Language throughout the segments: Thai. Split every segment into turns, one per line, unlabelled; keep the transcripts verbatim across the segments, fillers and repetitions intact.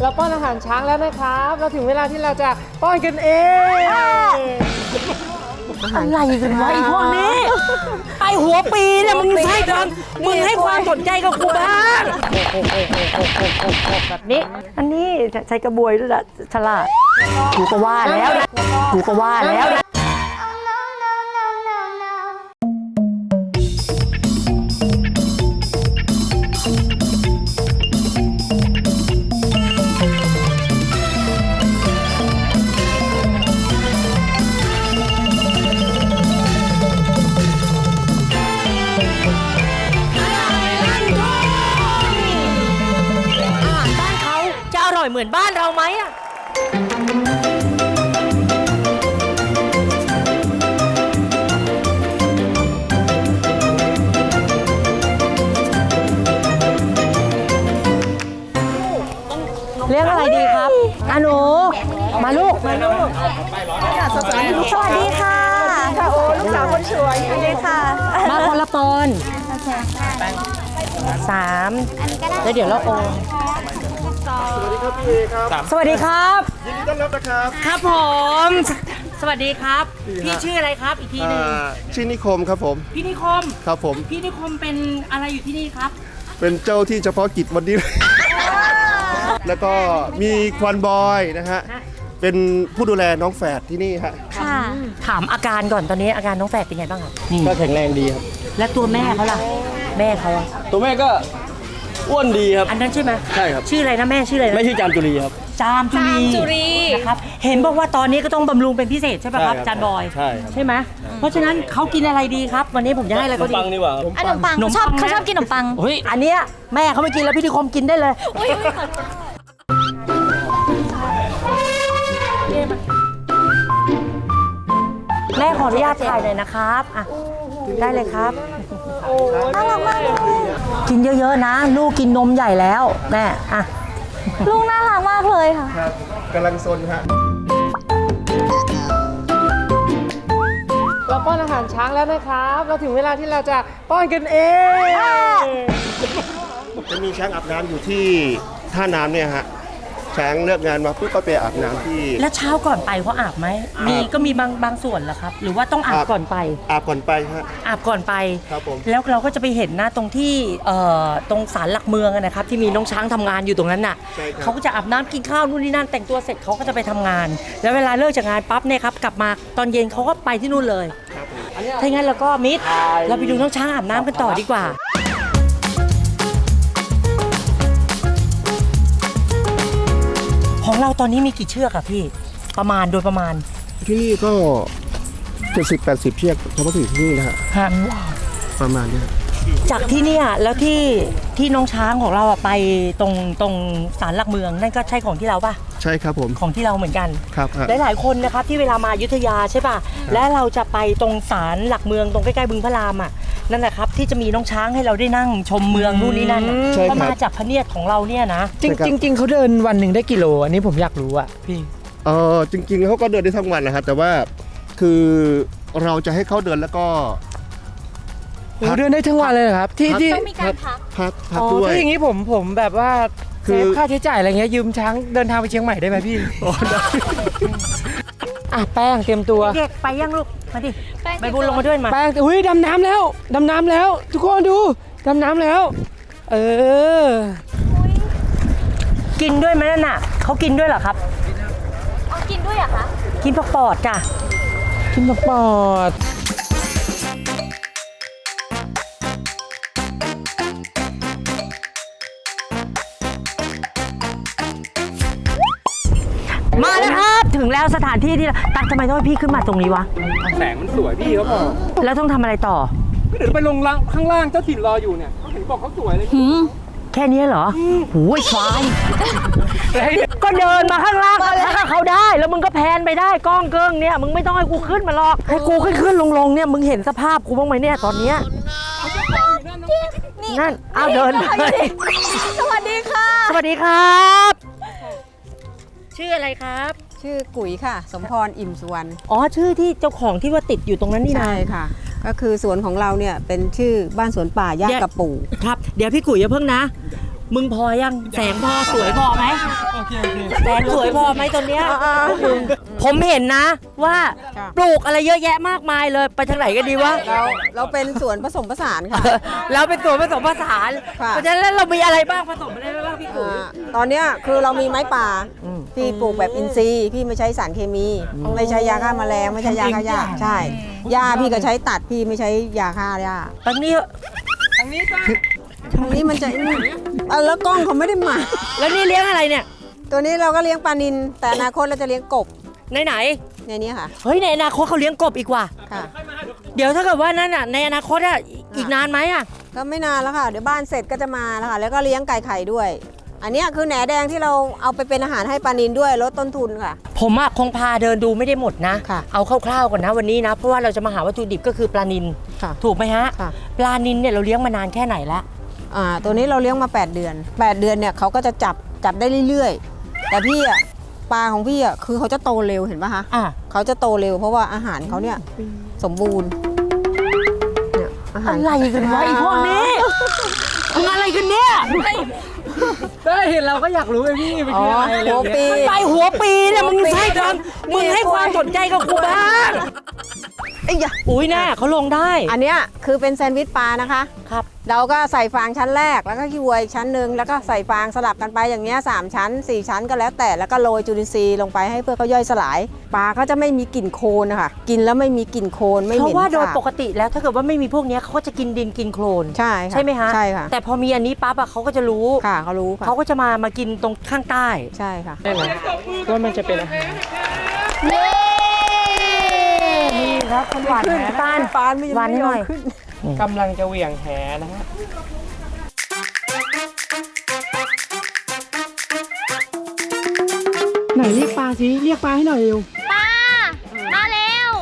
เราป้อนอาหารช้างแล้วนะครับเราถึงเวลาที่เราจะป้อนกันเอง
อะไรกันวะไอ้พวกนี้ไอ้หัวปีเนี่ยมึงให้ความมึงให้ความสนใจกับกูบ้างแบบนี้อันนี้ใช้กระบวยด้วยนะฉลาดกูก็ว่าแล้วกูก็ว่าแล้วเหมือนบ้านเราไหมอ่ะเรียกอะไรดีครับอาหนูมาลูกมาลูกสวัสดีค่ะค่ะโอ้ลูกสาวคนสวยสวัสดีค่ะมาคนละปอนสามแล้วเดี๋ยวเราโอนสวัสดีครับยินดีต้อนรับนะครับครับผมสวัสดีครับพี่ชื่ออะไรครับอีกทีหนึ่ง
ชื่อนิคมครับผม
พี่นิคม
ครับผม
พี่นิคมเป็นอะไรอยู่ที่นี่ครับ
เป็นเจ้าที่เฉพาะกิจวันนี้แล้วก็มีควันบอยนะฮะเป็นผู้ดูแลน้องแฝดที่นี่ฮะ
ค่ะถามอาการก่อนตอนนี้อาการน้องแฝดเป็นไงบ้างครับ
ก็แข็งแรงดีครับ
และตัวแม่เขาล่ะแม่เขา
ตัวแม่ก็อ้วนดีครับ
อันนั้นใช่ไหม
ใช่ครับ
ชื่ออะไรนะแม่ชื่ออะไรนะ
ไม่ชื่อจามจุรีครับ
จามจุรีนะครับเห็นบอกว่าตอนนี้ก็ต้องบำรุงเป็นพิเศษใช่ไหมครับจานบอย
ใช่
ใช่ไหมเพราะฉะนั้นเขากินอะไรดีครับวันนี้ผมจะให้อะไรก็ดี
ขนมปังดีกว่า
ขนมปังชอบเขาชอบกินขนมปัง
เฮ้ยอันเนี้ยแม่เขาไม่กินแล้วพี่นิคมกินได้เลยแม่ขออนุญาตถ่ายหน่อยนะครับอ่ะได้เลยครับ
น่ารักมากเลย
กินเยอะๆนะลูกกินนมใหญ่แล้วแม่อ่ะ
ลูกน่ารักมากเลยค่ะ
ครับกำลังซนฮะ
เราป้อนอาหารช้างแล้วนะครับเราถึงเวลาที่เราจะป้อนกันเอง
จะมีช้างอาบน้ำอยู่ที่ท่าน้ำเนี่ยฮะช้างเลิกงานมาปุ๊บก็ไปอาบน้ำที่
แล้วเช้าก่อนไปเขาอาบไหมมีก็มีบางบางส่วนเหรอครับหรือว่าต้องอาบก่อนไป
อาบก่อนไปฮะ
อาบก่อนไป
ครับผม
แล้วเราก็จะไปเห็นนะตรงที่เอ่อตรงศาลหลักเมืองนะครับที่มีน้องช้างทำงานอยู่ตรงนั้นน่ะเขาก็จะอาบน้ำกินข้าวนู่นนี่นั่นแต่งตัวเสร็จเขาก็จะไปทำงานแล้วเวลาเลิกจากงานปั๊บเนี่ยครับกลับมาตอนเย็นเขาก็ไปที่นู่นเลยถ้าอย่างนั้นเราก็มิดเราไปดูน้องช้างอาบน้ำกันต่อดีกว่าของเราตอนนี้มีกี่เชือกอะพี่ประมาณโดยประมาณ
ที่นี่ก็เจ็ดสิบแปดสิบเชือกเฉพาะที่นี่นะฮะประมาณนี้
จากที่เนี่ยแล้วที่ที่น้องช้างของเราอะไปตรงตรงศาลหลักเมืองนั่นก็ใช่ของที่เราป่ะ
ใช่ครับผม
ของที่เราเหมือนกัน
ครับ
หลายๆคนนะครับที่เวลามาอยุธยาใช่ป่ะและเราจะไปตรงศาลหลักเมืองตรงใกล้ๆบึงพระรามอะนั่นแหละครับที่จะมีน้องช้างให้เราได้นั่งชมเมืองนู่นนี่นั่นก็มาจากพระเนียดของเราเนี่ยนะ
จริงจริงเขาเดินวันหนึ่งได้กี่โลอันนี้ผมอยากรู้อะพี่
เออจริงๆเขาก็เดินได้ทั้งวันนะครับแต่ว่าคือเราจะให้เขาเดินแล้วก็
เดินได้ทั้งวันเลยครับที่ที่
ต้องมีการพัก
พักพักด้วย
ถ้าอย่างนี้ผมผมแบบว่าเซฟค่าใช้จ่ายอะไรเงี้ยยืมช้างเดินทางไปเชียงใหม่ได้ไหมพี่อ๋อได้อ่ะแป้งเตรียมตัว
เด็กไปยังลูกมาดิไปบุญลงมาด้วยมา
แป้งอุ้ยดำน้ำแล้วดำน้ำแล้วทุกคนดูดำน้ำแล้วเออ
กินด้วยไหมนั่นน่ะเขากินด้วยเหรอครับ
เอากินด้วยเหรอคะ
กินผักปอดจ้ะ
กินผักปอด
มาแล้วครับถึงแล้วสถานที่ที่ตักทำไมต้องให้พี่ขึ้นมาตรงนี้วะ
แสงมันสวยพี่เขาบอก
แล้วต้องทำอะไรต่อ
ก็เดี๋ยวไปลงล่างข้างล่างเจ้าถิ่นรออยู่เนี่ยเขาเห็นบอกเขาสวยเลย
แค่นี้เหรอหูยควายก็เดินมาข้างล่างถ้าเขาได้แล้วมึงก็แพนไปได้กล้องเกิ้งเนี่ยมึงไม่ต้องให้กูขึ้นมาหรอกให้กูขึ้นขึ้นลงลงเนี่ยมึงเห็นสภาพกูบ้างไหมเนี่ยตอนเนี้ยนั่นเอาเดินเลย
สวัสดีค่ะ
สวัสดีครับชื่ออะไรครับ
ชื่อกุ๋ยค่ะสมพรอิ่มสุวรรณ
อ๋อชื่อที่เจ้าของที่ว่าติดอยู่ตรงนั้นนี่นะ
ใช่ค่ะก็คือสวนของเราเนี่ยเป็นชื่อบ้านสวนป่าย่ากระปู่
ครับเดี๋ยวพี่กุ๋ยอย่าเพิ่งนะมึงพอยังแสงพอสวยพอไหมแสงสวยพอไหมตอนเนี้ยผมเห็นนะว่าปลูกอะไรเยอะแยะมากมายเลยไปทางไหนกันดีวะ
เราเราเป็นสวนผสมผสานค่ะ
เราเป็นตัวผสมผสาน
ค่ะ
เพราะฉะนั้นแล้วเรามีอะไรบ้างผสมอะไรบ้างพี่กุ๋ย
อ่าตอนเนี้ยคือเรามีไม้ป่า
อืม
พี่ปลูกแบบอินทรีย์พี่ไม่ใช้สารเคมี ไม่ใช้ยาฆ่าแมลงไม่ใช้ยาฆ่าหญ้าใช่หญ้าพี่ก็ใช้ตัดพี่ไม่ใช้ยาฆ่าหญ้า
ตอนนี้
ทางนี้มันจะเออแล้วกล้องเขาไม่ได้มา
แล้วนี่เลี้ยงอะไรเนี่ย
ตัวนี้เราก็เลี้ยงปลานิลแต่อนาคตเราจะเลี้ยงกบ
ไหนไหน
ในนี้ค่ะ
ๆเฮ้ยในอนาคตเขาเลี้ยงกบอีกว่ะ
ค่ะ
เดี๋ยวถ้าเกิดว่านั่นอ่ะในอนาคตอ่ะอีกนานไหมอ่ะ
ก็ไม่นานแล้วค่ะ เดี๋ยวบ้านเสร็จก็จะมาแล้วค่ะแล้วก็เลี้ยงไก่ไข่ด้วย อันเนี้ยคือแหนแดงที่เราเอาไปเป็นอาหารให้ปลานิลด้วยลดต้นทุนค่ะ
ผมอะคงพาเดินดูไม่ได้หมดนะ
ค่ะ
เอาคร่าวๆก่อนนะวันนี้นะ เพราะว่าเราจะมาหาวัตถุดิบก็คือปลานิล
ค่ะ
ถูกไหมฮะ
ค่ะ
ปลานิลเนี่ยเราเลี้ยงมานานแค่ไหนละ
อ่าตัวนี้เราเลี้ยงมา แปด เดือน แปด เดือนเนี่ยเขาก็จะจับจับได้เรื่อยๆ แต่พี่อ่ะปลาของพี่อ่ะคือเขาจะโตเร็วเห็นปะคะ
อ่ะ
เขาจะโตเร็วเพราะว่าอาหารเขาเนี่ยสมบูรณ์เนี่ยอาหาร
อะไรกันวะไอ้พวกนี้มึงอะไรกันเนี่ย
ได้เห็นเราก็อยากรู้ไงพี่เป็น
อ๋อ
อะไรอะไร
หัว
อย่าง
ปี
เงี้ย
ไปหัวปีเนี่ยมึงให้ความ
นี่
มึงให้ความสนใจกับกูบ้าง
ไอ้ยะ
อุ้ยแน่เขาลงได้
อันเนี้ยคือเป็นแซนด์วิชปลานะคะ
ครับ
เราก็ใส่ฟางชั้นแรกแล้วก็ขี้วัวอีกชั้นหนึ่งแล้วก็ใส่ฟางสลับกันไปอย่างเงี้ยสามชั้นสี่ชั้นก็แล้วแต่แล้วก็โรยจุลินทรีย์ลงไปให้เพื่อเขาย่อยสลายปลาเขาจะไม่มีกลิ่นโคลนนะคะกินแล้วไม่มีกลิ่นโคลนไม่เห
เพ
ม็น
ราะว่าโดย
สาบ
ปกติแล้วถ้าเกิดว่าไม่มีพวกเนี้ยเขาก็จะกินดินกินโคลน
ใช่ค่ะ
ใช่ไหมฮะ
ใช่ค่ะ
แต่พอมีอันนี้ปั๊บอะเขาก็จะรู้
ค่ะเขารู้ค่ะ
เขาก็จะมามากินตรงข้างใต้
ใช่ค่ะ
ได้ไหมว่ามันจะเป็นอาหาร
นี่ครับคนหวานแหปาน
ปานไม่ยัง
หวานให้หน่อย
ไม่ยอมขึ้น
กำลังจะเหวี่ยงแหนะฮะไหนเรียกปลาสิเรียกปลาให้หน่อยเร็ว
ป้า มาเร็ว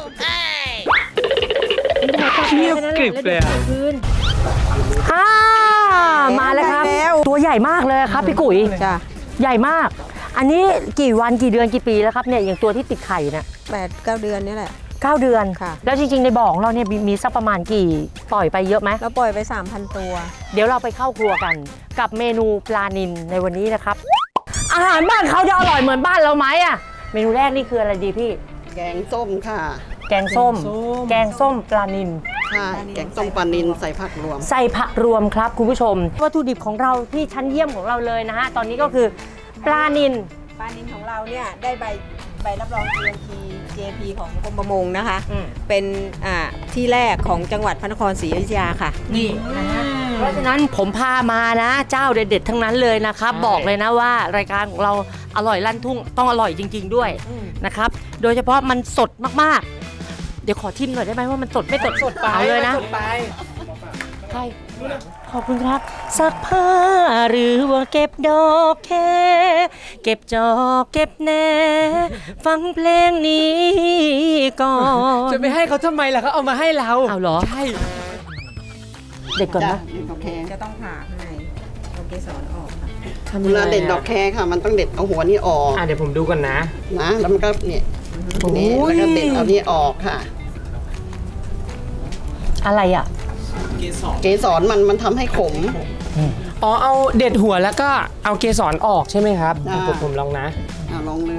เงียบกริบเลยอะ
อ่ามาแล้วครับ ตัวใหญ่มากเลยครับพี่กุ๋ย
จ้ะ
ใหญ่มาก อันนี้กี่วันกี่เดือนกี่ปีแล้วครับเนี่ยอย่างตัวที่ติดไข่เนี่ย
แปดเก้าเดือนนี่แหละ
เก้าเดือน
ค่ะ
แล้วจริงๆในบ่อของเราเนี่ยมีมีสักประมาณกี่ปล่อยไปเยอะไหม
เราปล่อยไป สามพัน ตัว
เดี๋ยวเราไปเข้าครัวกันกับเมนูปลานิลในวันนี้นะครับ อาหารบ้านเขาจะอร่อยเหมือนบ้านเราไหมอะเมนูแรกนี่คืออะไรดีพี่
แกงส้มค่ะ
แกงส้ม แกงส้มปลานิล
ใช่แกงส้มปลานิลใส่ผักรวม
ใส่ผักรวมครับคุณผู้ชม วัตถุดิบของเราที่ชั้นเยี่ยมของเราเลยนะฮะตอนนี้ก็คือปลานิล
ปลานิลของเราเนี่ยได้ใบใบรับรอง จี เอ็ม พี เจ พี ของกรมประมงนะคะ
อืม
เป็นอ่าที่แรกของจังหวัดพระนครศรีอยุธยาค่ะ
นี่นะฮะเพราะฉะนั้นผมพามานะ เจ้าเด็ดๆทั้งนั้นเลยนะครับ บอกเลยนะว่ารายการของเราอร่อยลั่นทุ่งต้องอร่อยจริง ๆ ด้วยนะครับ โดยเฉพาะมันสดมากๆ เดี๋ยวขอทิมหน่อยได้ไหมว่ามันสดไม่สด
สดไป
เอาเลยนะ
สดไป
ใช่ขอบคุณครับซักผ้าหรือว่าเก็บดอกแค่เก็บจอกเก็บแหนฟังเพลงนี้ก่อน
จะไปให้เขาทำไมล่ะเขาเอามาให้เรา
เอาเหรอ
ใช่
เด็ดก่อน
จ้ะ
นะ
เด็ดดอกแค
จะต้องผ่าข้างในเอาเกสรออกค่ะ
ทำ
เว
ยังไง
ลาเด็ดดอกแคค่ะ มันต้องเด็ดเอาหัวนี่ออก
อ่ะเดี๋ยวผมดูก่อนนะ
นะ แล้วมันก็เนี่ย
โอ้ย
นี่แล้วก็เด็ดเอานี่ออกค่ะ
อะไรอ่ะ
เกสรมันมันทำให้ขม
อ๋อเอาเด็ดหัวแล้วก็เอาเกสรออกใช่ไหมครับ
อ่า
ผมผมลองนะ
เอาลองเลย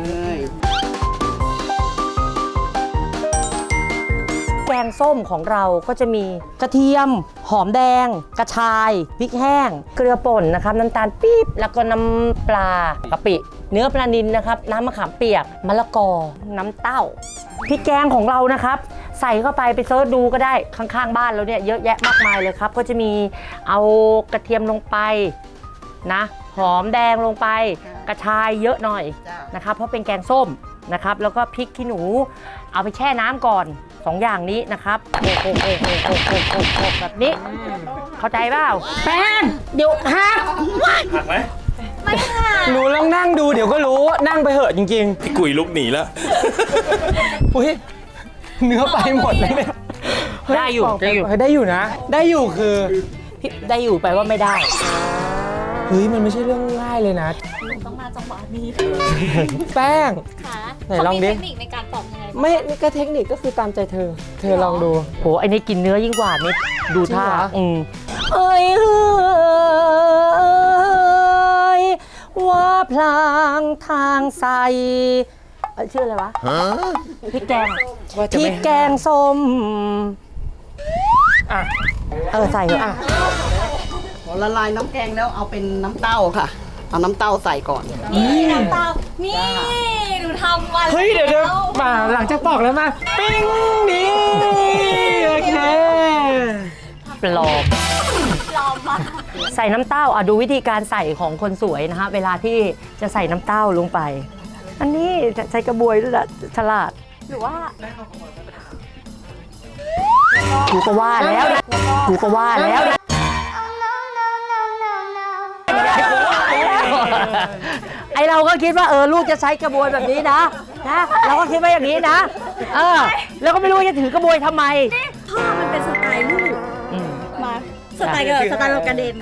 แกงส้มของเราก็จะมีกระเทียม หอมแดง กระชายพริกแห้ง เกลือป่นนะครับน้ำตาลปี๊บแล้วก็น้ำปลากะปิ เนื้อปลานิลนะครับน้ำมะขามเปียกมะละกอ น้ำเต้าพริกแกงของเรานะครับ ใส่เข้าไปไปเซิร์ชดูก็ได้ข้างๆบ้านเราเนี่ยเยอะแยะมากมายเลยครับ ก็จะมีเอากระเทียมลงไปนะหอมแดงลงไป กระชายเยอะหน่อย
จ้ะ
นะครับเพราะเป็นแกงส้มนะครับแล้วก็พริกขี้หนูเอาไปแช่น้ำก่อนสองอย่างนี้นะครับโขกโขกโขกโขกโขกโขกโขกแบบนี้เข้าใจเปล่าแป้งเดี๋ยวฮัก
ไม่ค่ะ
หนูลองนั่งดูเดี๋ยวก็รู้นั่งไปเหอะจริง
พี่กุยลุกหนีแล้ว
ๆ อุ้ยเนื้อไปหมดเลยเนี่ย
ได้อยู่ได้อยู่
เฮ้ยได้อยู่นะ ได้อยู่คือ
พี่ได้อยู่ไปว่าไม่ได้
เฮ้ยมันไม่ใช่เรื่องง่ายเลยนะ
ต้องมาจังหวะนี้
แป้ง
ค่ะ
ไหนลองดิ
เขามีเทคนิคในการปอกยังไงบ้าง
ไม่นี่ก็เทคนิคก็คือตามใจเธอ เธอลองดู
โหไอ้นี่กินเนื้อยิ่งกว่านิดดูท่า
จริงเหรอ
อืมเอ้ยเอ้พลางทางใส่เอ้ยชื่ออะไรวะพริกแกง
ว่าจะ
พริ
ไม่
กแกงส้ม
อ่ะ
เออใส่เถอะอ่ะ
พอละลายน้ำแกงแล้วเอาเป็นน้ำเต้าค่ะ เอาน้ำเต้าใส่ก่อน
นี่น้ำตาลนี่หนูทำมา
เฮ้ยเดี๋ยวเดี๋ยวมาหลังจากปอกแล้วมาปิ้งนี่โอเค
ปลอม
ปลอมมาก
ใส่น้ำเต้าอ่ะดูวิธีการใส่ของคนสวยนะฮะเวลาที่จะใส่น้ำเต้าลงไป อันนี้จะใช้กระบวยด้วยละฉลาด
หรือว่า
กูก็ว่าแล้วนะกูก็ว่าแล้วนะไอเราก็คิดว่าเออลูกจะใช้กระบวยแบบนี้นะนะเราก็คิดว่าอย่างนี้นะเออแล้วก็ไม่รู้ว่าจะถือกระบวยทำไม
พ่อมันเป็นสไตล์ลูก
อืม
มาสไตล์เกิดสไตล์เรากระเด็น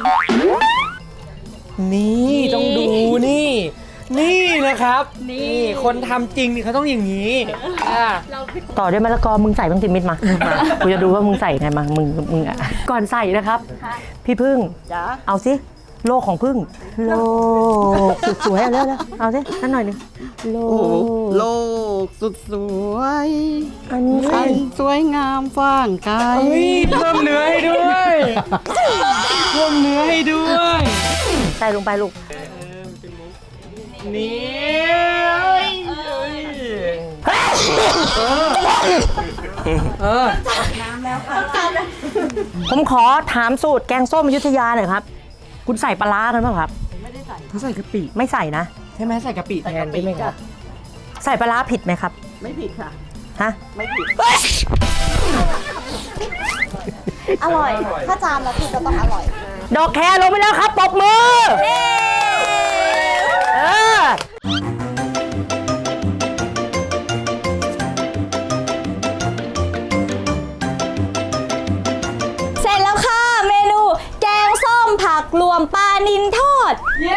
นี่ต้องดูนี่ นี่นะครับ นี่คนทำจริงนี่เขาต้องอย่างนี้อ่ะ
ต่อด้วยมะละกอมึงใส่บ้างติมิดมากูจะดูว่ามึงใส่ไงมามึงมึงอ่ะก่อนใส่นะครับ พี่พึ่ง
จ้า
เอาสิโลกของพึ่งโลกสุดสวยเอาเร็วๆเอาสินั่นหน่อยหนึงโล
โอ้โห
ก
โลกสุดสวย
อันนี้
อันสวยงามฟ่างไกล
เฮ้ยเพิ่มเนื้อให้ด้วยเพิ่มเนื้อให้ด้วย
ใส่ลงไปลูก
นี่เอ้ยเอ้ยเออ
ผมขอถามสูตรแกงส้มอยุธยาหน่อยครับ คุณใส่ปลาร้ากันไหมครับ
เขาใส่กะปิ
ไม่ใส่นะ
ใช่ไหมใส่กะปิแทนใช่ไหมครับ
ใส่ปลาร้าผิดไหมครับ
ไม่ผิดค่ะ
ฮะ
ไม่ผิด
อร่อย ถ้าจานแล้วคือจะต้องอร่อย
ดอกแครลงไปแล้วครับปรบมือเออ
เสร็จแล้วค่ะ เมนูแกงส้มผักรวมปลานิลทอด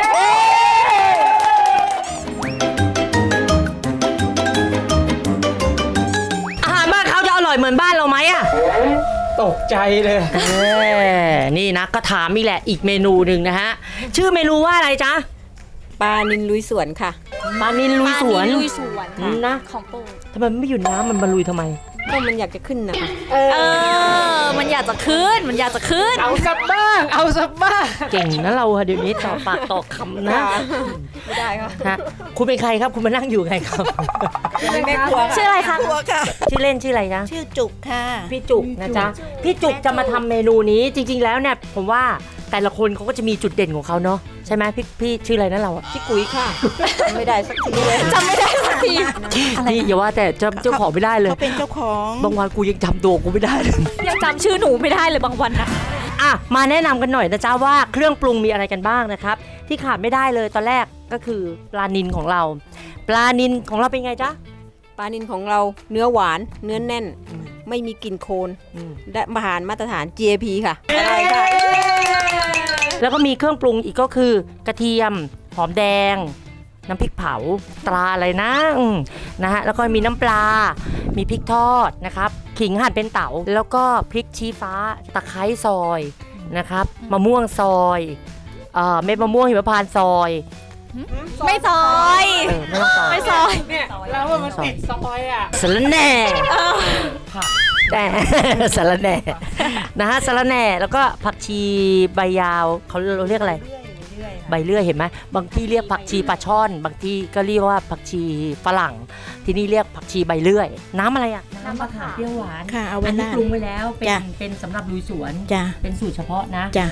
อาหารบ้านเขาจะอร่อยเหมือนบ้านเราไหมอะ
ตกใจเลย
เออนี่นะก็ถามอีกแหละอีกเมนูหนึ่งนะฮะ ชื่อเมนูว่าอะไรจ๊ะ
ปลานินลุยสวนค่ะ
ปลานิลลุยสวน
ปลานิลลุยสวนค่ะ
นะ
ของโปรด
ทำไมมันไม่อยู่น้ำมันมาลุยทำไม
ก็มันอยากจะขึ้นนะคะ
เออ มันอยากจะขึ้น มันอยากจะขึ้น
เอาสักบ้าง เอาสักบ้าง
เก่งนะเราอะเดี๋ยวนี้ต่อปากต่อคำนะ
ไม่ได้ค่ะ
ฮะคุณเป็นใครครับคุณมานั่งอยู่ไงครับ
แม่ครัว
ชื่ออะไรคะ
ชื่อเล่นชื่ออะไรนะ
ชื่อจุกค่ะ
พี่จุกนะจ๊ะพี่จุกจะมาทำเมนูนี้จริง ๆ แล้วเนี่ยผมว่าแต่ละคนเขาก็จะมีจุดเด่นของเขาเนาะใช่ไหมพี่พี่ชื่ออะไรนะเราอะ
พี่กุ๋ยค่ะ ไม่ได้สักทีเลย
จำไม่ได้สักที
นี่อย่าว่าแต่จำเจ้าของไม่ได้เลย
เขาเป็นเจ้าของ
บางวันกูยังจำตัวกูไม่ได้เลย
ยังจำชื่อหนูไม่ได้เลยบางวันนะ
อ่ะมาแนะนำกันหน่อยนะจ๊ะว่าเครื่องปรุงมีอะไรกันบ้างนะครับที่ขาดไม่ได้เลยตอนแรกก็คือปลานิลของเรา ปลานิลของเราเป็นไงจ๊ะ
ปลานินของเราเนื้อหวานเนื้อแน่น ไม่มีกลิ่นโคลน
อืม
และมาหารมาตรฐาน จี เอ พี ค่ะอะไรค่ะ
แล้วก็มีเครื่องปรุงอีกก็คือกระเทียมหอมแดง น้ำพริกเผาตราอะไรนะอืมนะฮะแล้วก็มีน้ำปลา มีพริกทอดนะครับขิงหั่นเป็นเต๋าแล้วก็พริกชี้ฟ้าตะไคร้ซอยนะครับมะม่วงซอยเอ่อเม็ดมะม่วงหิมพานต์ซอย
ไม่ซอย
เออไม่ต้องซอย
ไม่ซอย
เนี่ยเราว่ามันติดซอยอ่ะ
สะระแหน่แต่ สะระแหน่นะฮะสะระแหน่แล้วก็ผักชีใบยาวเขาเราเรียกอะไรใบเลื่อยเห็นไหมบางที่เรียกผักชีปลาช่อน บางที่ก็เรียกว่าผักชีฝรั่ง ที่นี่เรียกผักชีใบเลื่อย น้ำอะไรอ่ะน้ำมะขามเปรี้ยวหวาน
ค่ะเอาไว้
อันนี้
หน้า
ปรุงไว้แล้วเป็น
จ้ะ
เป็นสำหรับลุยสวน
จ้ะ
เป็นสูตรเฉพาะนะ
จ้ะ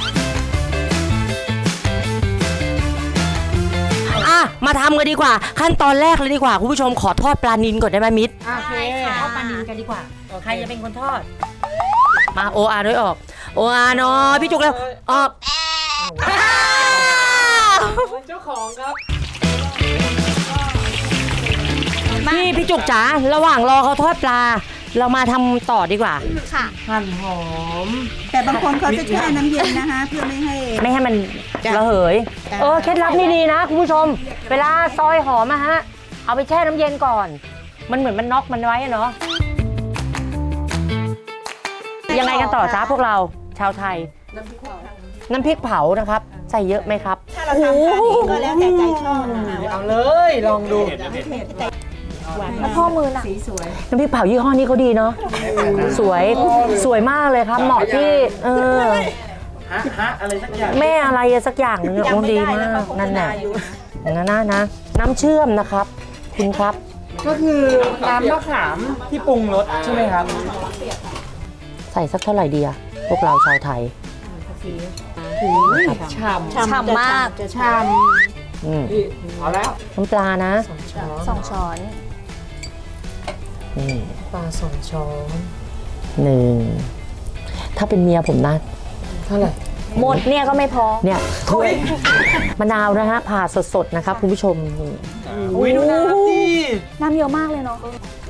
อ่ะมาทำกันดีกว่า ขั้นตอนแรกเลยดีกว่าคุณผู้ชมขอทอดปลานิลก่อนได้ไหมมิตร
โอเค
ทอดปลานิลกันดีกว่า ใครจะเป็นคนทอด มาโออาด้วยออก โออาเนาะพี่จุกแล้วออก
เจ้าของครับ
พี่พี่จุกจ๋าระหว่างรอเขาทอดปลา เรามาทำต่อดีกว่า
ค่ะ
หั่นหอม
แต่บางคนเขาจะแช่น้ำเย็นนะคะ เพื่อไม่ให้
ไม่ให้มัน
จ้ะ
ระเหย
จ้ะ
เออเคล็ดลับนี่ดีนะคุณผู้ชม เวลาซอยหอมอะฮะ เอาไปแช่น้ำเย็นก่อน มันเหมือนมันน็อกมันไว้อะเนาะยังไงกันต่อจ้าพวกเราชาวไทย น้ำพริกเผานะครับ ใส่เยอะไหมครับ
ถ้าเราทำทานเองก็แล้วแต่ใจชอบนะคะว่า
เอาเลยลองดู
แล้วพ่อมือน่ะ
สีสวย
น้ำพริกเผายี่ห้อนี้เขาดีเนาะสวยสวยมากเลยครับ เหมาะที่เออ
ฮะฮะอะไรสักอย่าง
แม่อะไรสักอย่างหนึงอะโอ้ดีมากนั่นแหละนั่นนะนะ น้ำเชื่อมนะครับ คุณครับ
ก็คือน้ำมะขามที่ปรุงรสใช่ไหมครับ
ใส่สักเท่าไหร่ดีอะพวกเราชาวไทย
ฉ่ำ
ฉ่ำมาก
จะชาม
อืม
เอาแล้ว
น้ำปลานะ
สองช้อน
นี่
ปลาสองช้อน
หนึ่งถ้าเป็นเมียผมนะ
เท่าไหร่
หมดเนี่ยก็ไม่พอ
เนี่ยมะนาวนะฮะผ่าสดๆนะครับคุณผู้ชมนี่
อุ้ยดูน้ำดิ
น้ำเยอะมากเลยเนาะ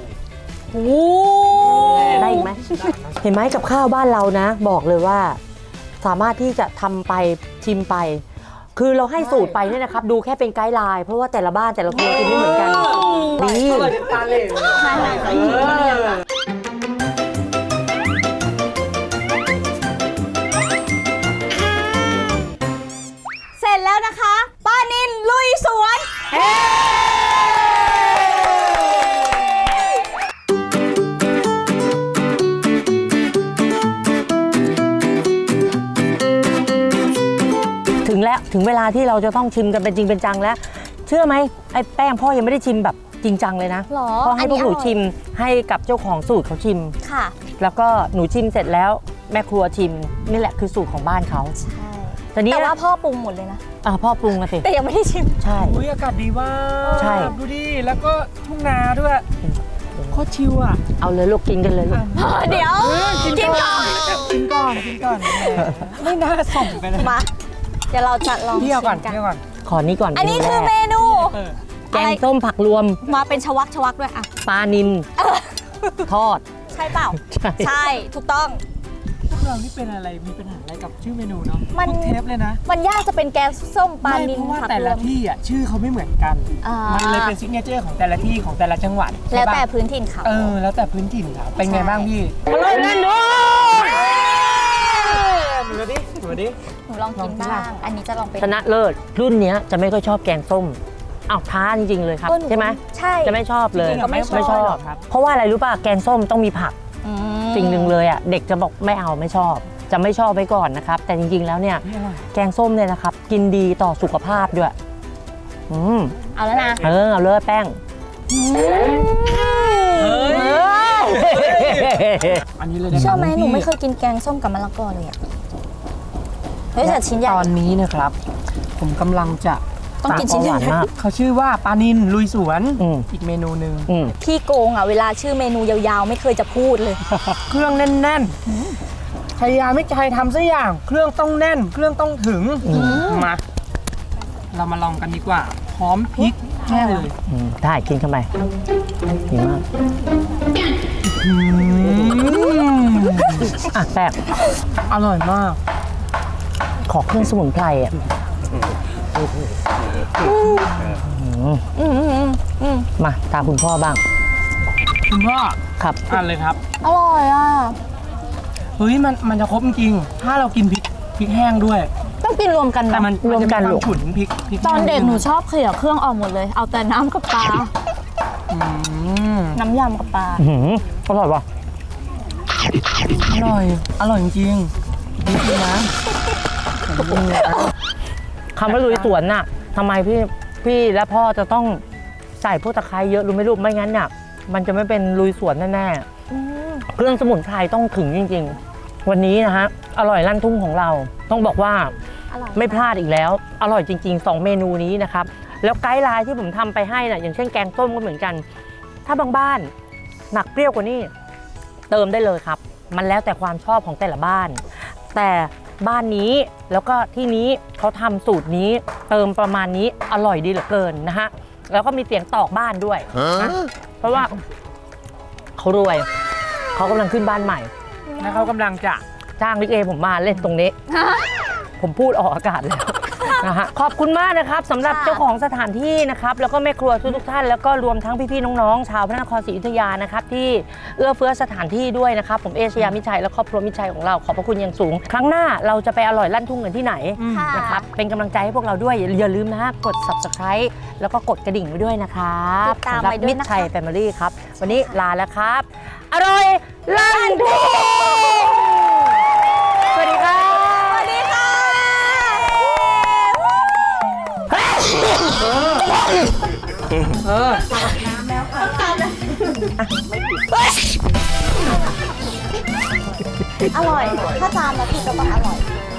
ได้อีกไหมเห็นไหมกับข้าวบ้านเรานะ บอกเลยว่า สามารถที่จะทำไปชิมไป คือเราให้สูตรไปเนี่ยนะครับ ดูแค่เป็นไกด์ไลน์เพราะว่าแต่ละบ้านแต่ละคนกินไม่เหมือนกันดี
อร่อยเป็นตาเหล่เลย
ใช่ค่ะ
เออ
เสร็จแล้วนะคะ ป้านินลุยสวน
ถึงแล้วถึงเวลาที่เราจะต้องชิมกันเป็นจริงเป็นจังแล้ว เชื่อไหมไอ้แป้งพ่อยังไม่ได้ชิมแบบจริงจังเลยนะ
หรอ
พ่อให้พวกหนู
อันนี้อร่อย
ชิมให้กับเจ้าของสูตรเขาชิม
ค่ะ
แล้วก็หนูชิมเสร็จแล้วแม่ครัวชิมนี่แหละคือสูตรของบ้านเขา
ใช่
แต่นี้
แต่ว่าพ่อปรุงหมดเลยนะ
อ่าพ่อปรุงมาสิ
แต่ยังไม่ได้ชิม
ใช่
อุ้ยอากาศดีมาก
ใช่
ดูดิ แล้วก็ทุ่งนาด้วยโคตรชิลอ่ะ
เอาเลยลูกกินกันเลยลูก
เดี๋ยว กินก่อน
กินก่อน กินก่อนแหมไม่น่าส่งไปเลย
มา เดี๋ยวเราจะลอง
เที่ยวก่อน
ชิม
เที่ยวก่อน
ขอนี้ก่อน
อันนี้
เม
คือ
แร
เม
ก
นู
แกงส้มผักรวม
มาเป็นชวักชวักด้วยอ่ะ
ปลานิลทอด
ใช่เปล่า
ใช่
ใช่ ถูกต้อง
พวกเรานี่เป็นอะไร มีปัญหาอะไรกับชื่อเมนูเนาะ
มัน
ทุกเทปเลยนะ
มันยากจะเป็นแกงส้มปลา
ไม่
นิล
เพราะว่า
ผัก
แต่
ร
ละ
วม
ที่อ่ะชื่อเขาไม่เหมือนกัน
อ่ามั
มันเลยเป็นซิกเนเจอร์ของแต่ละที่ของแต่ละจังหวัด
แล้วแต่
ใช่ปะ
พื้นถิ่นเขา
เออ แล้วแต่พื้นถิ่นครับเป็นไง
ใช่
บ้างพี่
อร่อยแน่นอน
หนูดิหนูดิ
หนูลองกินบ้าง อันนี้จะลองเป็น
ชนะเลิศรุ่นเนี้ยจะไม่ค่อยชอบแกงส้มอ้าวท้าจริงๆเลยครับ
เออหนู
ใช่ไหม
ใช่
จะไม่ชอบเลย
จริงๆอะไม่ชอบ
ไม่ชอบ
ครับ
เพราะว่าอะไรรู้ป่ะแกงส้มต้องมีผัก
อืม
สิ่งหนึ่งเลยอ่ะเด็กจะบอกไม่เอาไม่ชอบ จะไม่ชอบไว้ก่อนนะครับ แต่จริงๆแล้วเนี่ย
นี่อร่อย
แกงส้มเนี่ยนะครับ กินดีต่อสุขภาพด้วยอืม
เอาแล้วนะ
เออเอาเลยแป้ง
เฮ้ย
เออ
อันนี้เลยนะ
เชื่อไหมหนูไม่
พี่
เคยกินแกงส้มกับมะละกอเลยอ่ะ เฮ้ยแต่ชิ้นใหญ่
ตอนนี้นะครับ ผมกำลังจะ
ต้องกินชิ้นใหญ่
หวานมาก
เขาชื่อว่าปลานินลุยสวน
อืม
อีกเมนูหนึ่ง
อืม
พี่โกงอ่ะ เวลาชื่อเมนูยาวๆ ไม่เคยจะพูดเลย
เครื่องแน่นๆพยายามไม่ใจทำสักอย่าง เครื่องต้องแน่น เครื่องต้องถึง มา เรามาลองกันดีกว่า พร้อมพริกแห้งเลย
อืมได้กินเข้าไปดีมากอ่ะแป้ง
อร่อยมาก
ขอเครื่องสมุนไพรอ่ะมาตามคุณพ่อบ้าง
คุณพ่อ
ครับ
อ่านเลยครับ
อร่อยอ่ะ
เฮ้ยมันมันจะครบจริงๆถ้าเรากินพริกพริกแห้งด้วย
ต้องกินรวมกัน
แต่
นะ
มัน
รวมกัน
จะ
ลู
ควาก มฉุนพริกพริก
ตอนเด็ก
แห้ง
หนูชอบเขี่ยเครื่องออกหมดเลย เอาแต่น้ำกับปลา
อืม
น้ำยำกับปลา
อื้อหืออร่อยว่ะ
อร่อย อร่อยจริงๆจริงๆนะ
คำว่าลุยสวนน่ะทำไมพี่พี่และพ่อจะต้องใส่พวกตะไคร้เยอะรู้ไหมลูกไม่งั้นน่ะมันจะไม่เป็นลุยสวนแน่ๆเครื่องสมุนไพรต้องถึงจริงๆ วันนี้นะฮะอร่อยลั่นทุ่งของเรา ต้องบอกว่า
อร่อย
ไม่พลาดอีกแล้ว อร่อยจริงๆสองเมนูนี้นะครับแล้วไกด์ไลน์ที่ผมทำไปให้น่ะอย่างเช่นแกงส้มก็เหมือนกัน ถ้าบางบ้านหนักเปรี้ยวกว่านี้เติมได้เลยครับ มันแล้วแต่ความชอบของแต่ละบ้าน แต่บ้านนี้แล้วก็ที่นี้เขาทำสูตรนี้เติมประมาณนี้อร่อยดีเหลือเกินนะฮะแล้วก็มีเสียงตอกบ้านด้วยนะเพราะว่าเขารวยเขากำลังขึ้นบ้านใหม่
แล้วเขากำลังจะ
จ้างลิเกผมมาเล่นตรงนี้ ผมพูดออกอากาศแล้วนะฮะขอบคุณมากนะครับสำหรับ
ค่ะ
เจ้าของสถานที่นะครับแล้วก็แม่ครัวทุกๆท่านแล้วก็รวมทั้งพี่ๆน้องๆชาวพระนครศรีอยุธยานะครับที่เอื้อเฟื้อสถานที่ด้วยนะครับผมเอชยามิชัยและครอบครัวมิชัยของเราขอบพระคุณอย่างสูง ครั้งหน้าเราจะไปอร่อยลั่นทุ่งกันที่ไหน
ค่ะ
นะครับเป็นกำลังใจให้พวกเราด้วยอย่าลืมนะฮะกด ซับสไครบ์ แล้วก็กดกระดิ่งไว้ด้วยนะครับ
ติดตาม
สำหรับ
ไว้ด้วย
มิต
นะ
ร
คะ
ชัยแฟมิลี่ครับวันนี้ลาแล้วครับ อร่อยลั่นทุ่งสวัสดีครับ
สวัสดีค่ะ อร่อย ถ้าจานแล้วพี่ก็ต้องอร่อย